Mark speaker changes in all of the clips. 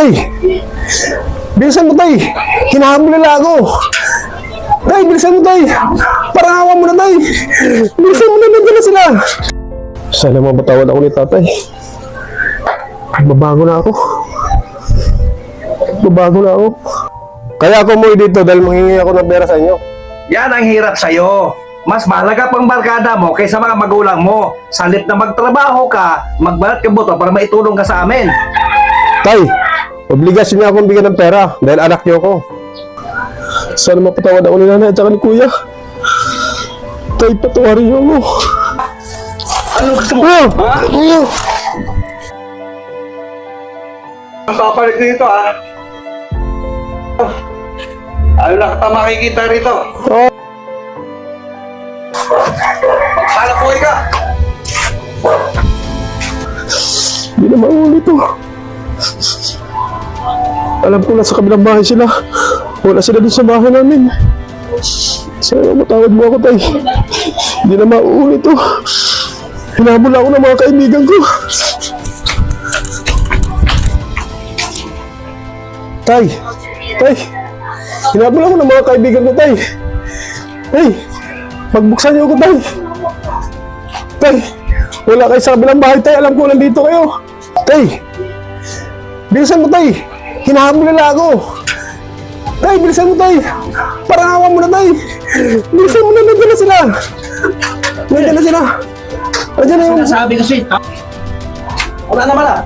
Speaker 1: Tay! Bilisan mo, Tay! Hinahabol nila ako! Tay, bilisan mo, Tay! Parangawan mo na, Tay! Bilisan mo na, nandiyan na sila! Sana mapatawad ako ni Tatay. Babago na ako. Babago na ako. Kaya ako umuwi dito dahil manghingi ako ng pera sa inyo.
Speaker 2: Yan ang hirap sa'yo. Mas mahalaga pang barkada mo kaysa mga magulang mo. Salit na magtrabaho ka, magbalat ka buto para maitulong ka sa amin.
Speaker 1: Tay, obligasyon niya akong bigyan ng pera dahil anak niyo ako. Sana mapatawad ako ni Nanay at saka ni Kuya. Tay, patawarin niyo ako.
Speaker 2: Ano gusto mo?
Speaker 1: Kuya!
Speaker 2: Ha?
Speaker 1: Kuya!
Speaker 2: Ang papalit dito, ha? Ayaw na kita makikita rito. Maghanap buhay ka!
Speaker 1: Hindi na maulit to. Alam ko na sa kabilang bahay sila. Wala sila dun sa bahay namin. Sana matawad mo ako, Tay. Hindi na maulit to. Hinabol ako ng mga kaibigan ko. Tay! Tay! Hinabol ako ng mga kaibigan ko, Tay. Tay! Pagbuksan niyo ako, Tay. Tay! Wala kayo sa kabilang bahay, Tay. Alam ko nandito kayo. Tay! Bilisan mo, Tay. Hinahabol nila ako. Tay, bilisan mo, Tay. Parangawan mo na, Tay. Bilisan mo na, nandiyan na sila. Nandiyan na sila. Nandiyan na yung...
Speaker 2: Sinasabi kasi, wala naman, ha?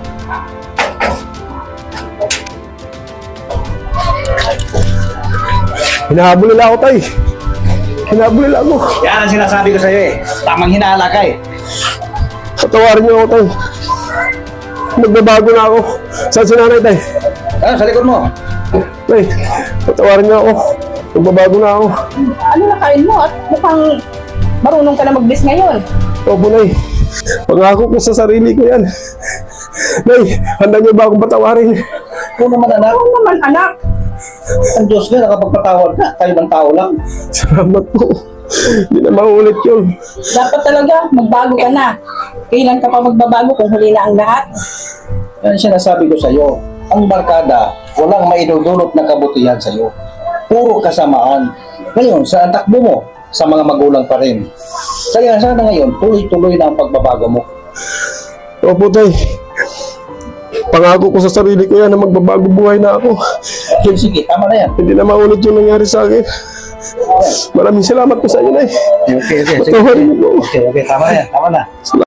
Speaker 1: Hinahabol nila ako, Tay. Hinahabol nila ako.
Speaker 2: Yan ang sinasabi ko sa'yo, eh. Tamang hinala ka, eh.
Speaker 1: Patawarin niyo ako, Tay. Magbabago na ako. Saan si Nanay, Tay?
Speaker 2: Ano, sa likod mo?
Speaker 1: Tay, patawarin niyo ako. Magbabago na ako.
Speaker 3: Ano na kain mo at mukhang marunong ka na mag-bis ngayon.
Speaker 1: Opo, Nay. Pangako ko sa sarili ko yan. Nay, handa niyo ba akong patawarin?
Speaker 2: Ikaw naman, anak.
Speaker 3: Oo naman anak.
Speaker 2: Ang Diyos ka, nakapagpatawad ka. Tayo ng tao lang.
Speaker 1: Salamat po. Hindi na maulit yun.
Speaker 3: Dapat talaga magbago ka na. Kailan ka pa magbabago kung huli na ang lahat?
Speaker 2: Yan ang sinasabi ko sa'yo. Ang barkada, walang maidudulot na kabutihan sa'yo. Puro kasamaan. Ngayon, sa takbo mo, sa mga magulang pa rin. Kaya sana ngayon, tuloy-tuloy na ang pagbabago mo.
Speaker 1: Opo, Tay. Pangako ko sa sarili ko yan na magbabago buhay na ako.
Speaker 2: Sige, tama na yan.
Speaker 1: Hindi na maulit yung nangyari sa akin. Maraming salamat po sa inyo, Nay.
Speaker 2: Okay.
Speaker 1: Patawarin niyo po.
Speaker 2: Okay, tama na yan. Tama na.